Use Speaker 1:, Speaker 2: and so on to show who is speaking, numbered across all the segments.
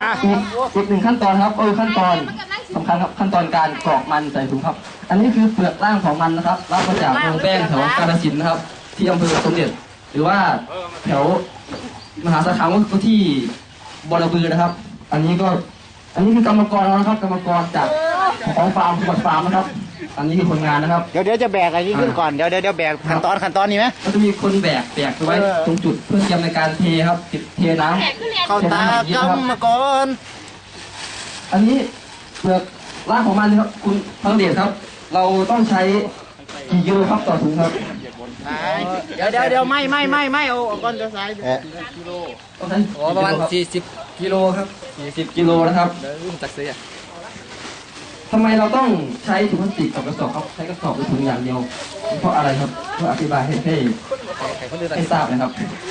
Speaker 1: อีกหนึ่งขั้นตอนครับขั้นตอนสำคัญครับขั้นตอนการกรอกมันใส่ถุงครับ อันนี้คือเปลือกล่างของมันนะครับรับมาจากเมืองแป้งแถวกาฬสินธุ์นะครับ ที่อำเภอสมเด็จหรือว่าแถวมหาสารคามก็ที่บอระบือนะครับ อันนี้คือกรรมกรนะครับกรรมกรจากของฟาร์มจังหวัดฟาร์มนะครับ อันนี้คือคนงานนะครับ
Speaker 2: เดี๋ยวจะแบกอะไรนี้ขึ้นก่อนเดี๋ยวแบกขั้นตอนนี้ไหม
Speaker 1: ก็จะมีคนแบกไว้ตรงจุดเพื่อเตรียมในการเทครับเทน้ำ
Speaker 2: เข้าตากรรมกร
Speaker 1: อันนี้เปลือกล่างของมันครับคุณพังเดชครับ เราต้องใช้กี่กิโลครับต่อถุงครับ
Speaker 2: เดี๋ยวไม่เอาก้อนเดี๋ยวซ้าย
Speaker 1: ต้องใช้ประมาณ40 กิโลครับ40 กิโลนะครับจากเสียทำไมเราต้องใช้ถุงพลาสติกกับกระสอบครับใช้กระสอบหรือถุงอย่างเดียวเพราะอะไรครับเพื่ออธิบายให้ทราบนะครับ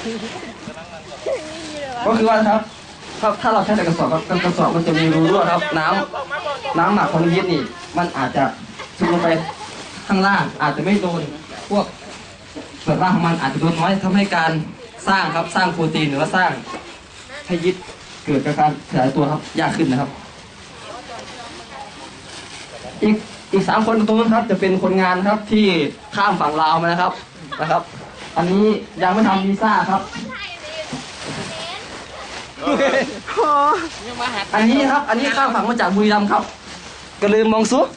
Speaker 1: ก็คือว่าครับถ้าเราใช้แต่กระสอบครับกระสอบมันจะมีรูรั่วครับน้ำหมักของยีสต์นี่มันอาจจะซึมลงไปข้างล่างอาจจะไม่โดนพวกเปลือกล่างของมันอาจจะโดนน้อยทำให้การสร้างโปรตีนหรือว่าสร้างให้ยีสต์เกิดการขยายตัวครับยากขึ้นนะครับอีก3 คนตรงนั้นครับจะเป็นคนงานครับที่ข้ามฝั่งลาวมานะครับ อันนี้ยังไม่ทำวีซ่าครับอันนี้ข้ามฝั่งมาจากบุรีรัมย์ครับก็ลืมมองซุ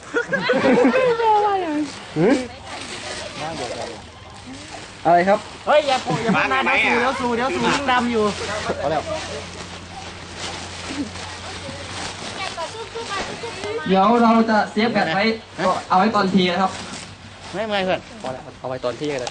Speaker 1: อะไรครับ
Speaker 2: เฮ้ยอย่าพูดนะเดี๋ยวสูยังดำอยู่
Speaker 1: เดี๋ยวเราจะเซฟแบตไว้เอาไว้ตอนทีนะครับ
Speaker 2: ไม่เพื่อน
Speaker 1: เอาไว้ตอนที่กันเลย